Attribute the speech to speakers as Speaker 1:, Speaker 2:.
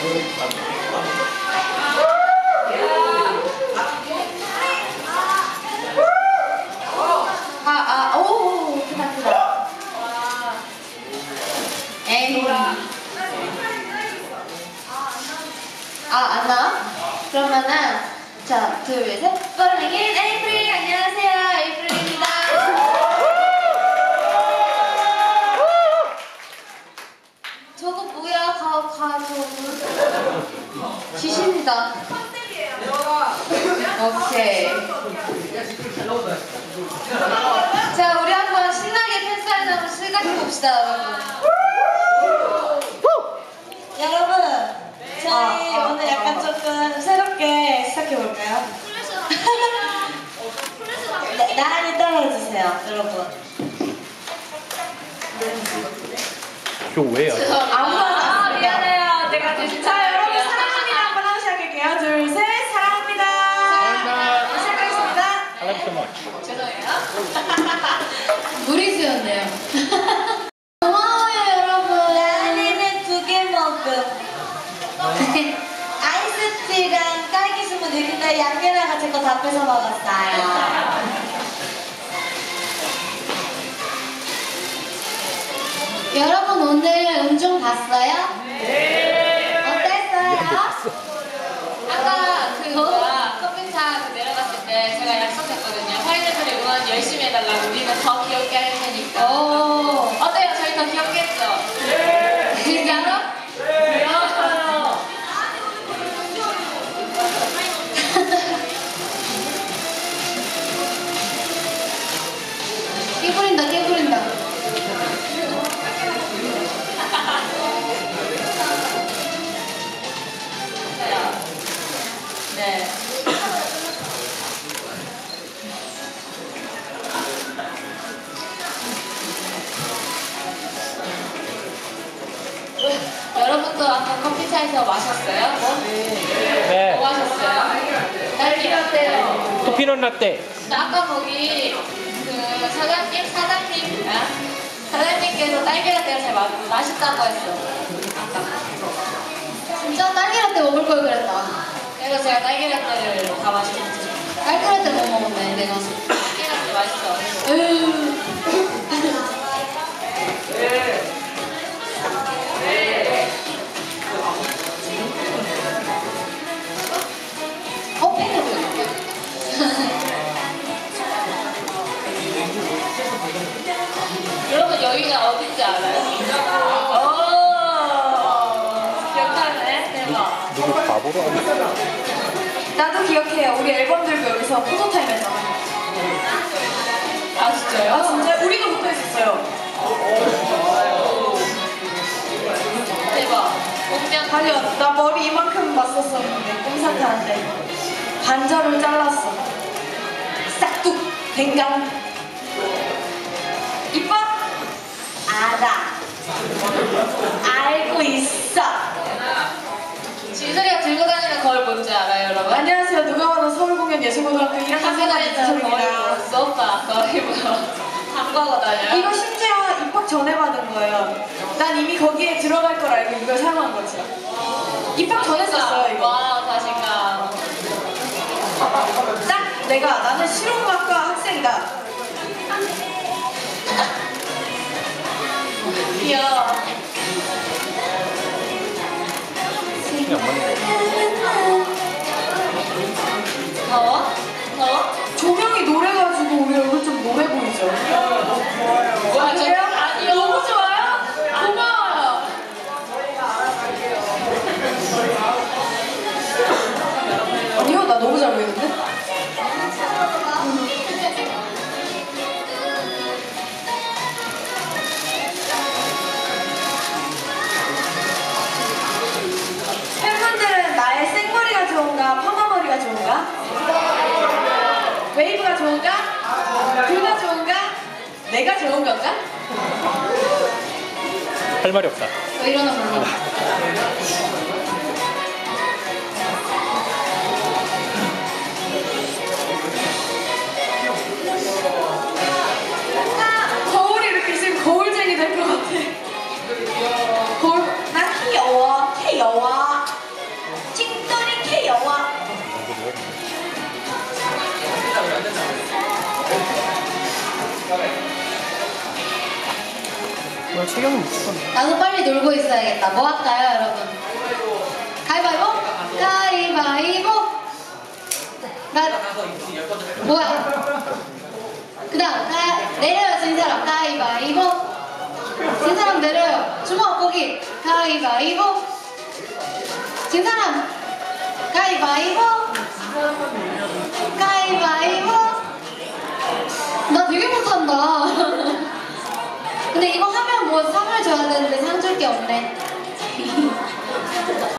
Speaker 1: 오, 크다. 에이. 안 나와? 그러면은, 자, 둘, 셋. 뻘링인 에이프릴! 안녕하세요, 에이프릴입니다. 저거 뭐야, 저거. 지십니다. 오케이. 자, 우리 한번 신나게 팬사인 한번 시작해봅시다, 여러분.
Speaker 2: 여러분, 저희 오늘 약간 조금 새롭게 시작해볼까요? 네, 나란히 따라해주세요, 여러분.
Speaker 3: 교회야.
Speaker 2: 아무나
Speaker 1: 미안해요. 내가
Speaker 2: 자, 여러분, 사랑합니다. 한번 하고 시작할게요. 둘, 셋, 사랑합니다. 시작하겠습니다.
Speaker 3: I love you so much.
Speaker 1: 죄송해요. 무리수였네요. 고마워요, 여러분.
Speaker 2: 나는 2개 먹음. 아이스티랑 딸기 스무디. 근데 양면아가 제 거 다 뺏어 먹었어요.
Speaker 1: 여러분 오늘 음중 봤어요? 네. 어땠어요? 아까 그거 커피차 내려갔을 때 제가 약속했거든요. 파인애플 응원 열심히 해달라고. 우리는 더 귀엽게 할 테니까. 어때요? 저희 더 귀엽게 했죠? 네. 진짜로? 네. 깨부린다, 깨부린다. 네. 여러분도 아까 커피차에서 마셨어요?
Speaker 3: 네.
Speaker 1: 뭐 마셨어요? 딸기 라떼요.
Speaker 3: 토피넛 라떼.
Speaker 1: 아까 거기 그 사장님께서 딸기 라떼가 제일 맛있다고 했어. 아까. 진짜 딸기 라떼 먹을 걸 그랬다. 그래서 제가 딸기 라떼를 다 마셨지. 딸기 라떼 못 먹었네, 내가. 딸기 라떼 맛있어. 여러분 여기가 어딘지 알아요? 기억하네? 대박.
Speaker 3: 누구 바보로 하는
Speaker 2: 나도 기억해요. 우리 앨범 들고 여기서 포토타임 했잖아.
Speaker 1: 아 진짜요?
Speaker 2: 아, 진짜? 우리도 붙어 있었어요.
Speaker 1: 대박. 운명
Speaker 2: 아니요, 나 머리 이만큼 맞섰었는데, 꼼사태한테. 반절을 잘랐어. 싹둑, 댕강. 이뻐? 알아. 알고 있어.
Speaker 1: 진솔이가 들고 다니는 거울 뭔지 알아요, 여러분?
Speaker 2: 안녕하세요. 누가 봐도 서울공연예술고등학교 1학년
Speaker 1: 학교 다니는
Speaker 2: 진솔입니다.
Speaker 1: 거울 오빠 거의 뭐 담가고 다녀요?
Speaker 2: 이거 심지어 입학 전에 받은 거예요. 난 이미 거기에 들어갈 걸 알고 이걸 사용한 거지. 입학 전에 썼어요, 이거.
Speaker 1: 와, 자신감.
Speaker 2: 딱 내가 나는 실용음악과 학생이다.
Speaker 1: 귀여워.
Speaker 3: 그냥 맞는 거.
Speaker 1: 더워? 더워?
Speaker 2: 조명이 노래가지고 우리 얼굴 좀 노래 보이죠?
Speaker 1: 아,
Speaker 2: 그래요?
Speaker 1: 아니요. 너무 좋아요? 고마워요.
Speaker 2: 아니요, 나 너무 잘 보이는데? 팬분들은 나의 생머리가 좋은가, 파마머리가 좋은가? 웨이브가 좋은가? 둘 다 좋은가? 내가 좋은 건가?
Speaker 3: 할 말이 없다.
Speaker 1: 왜 이러나 몰라.
Speaker 2: 거울이 이렇게 있으면 거울쟁이 될 것 같아. 거울, 나 귀여워, 귀여워.
Speaker 3: 오늘 체격은 무조건.
Speaker 1: 나도 빨리 놀고 있어야겠다. 뭐 할까요, 여러분? 가위바위보? 가위바위보? 나 뭐야? 그다음 내려요, 진 사람. 가위바위보. 진 사람 내려요. 주먹 거기. 가위바위보. 진 사람. 가위바위보. 가위바위보. 나 되게 못한다. 근데 이거 하면 뭐 상을 줘야 되는데 상 줄 게 없네.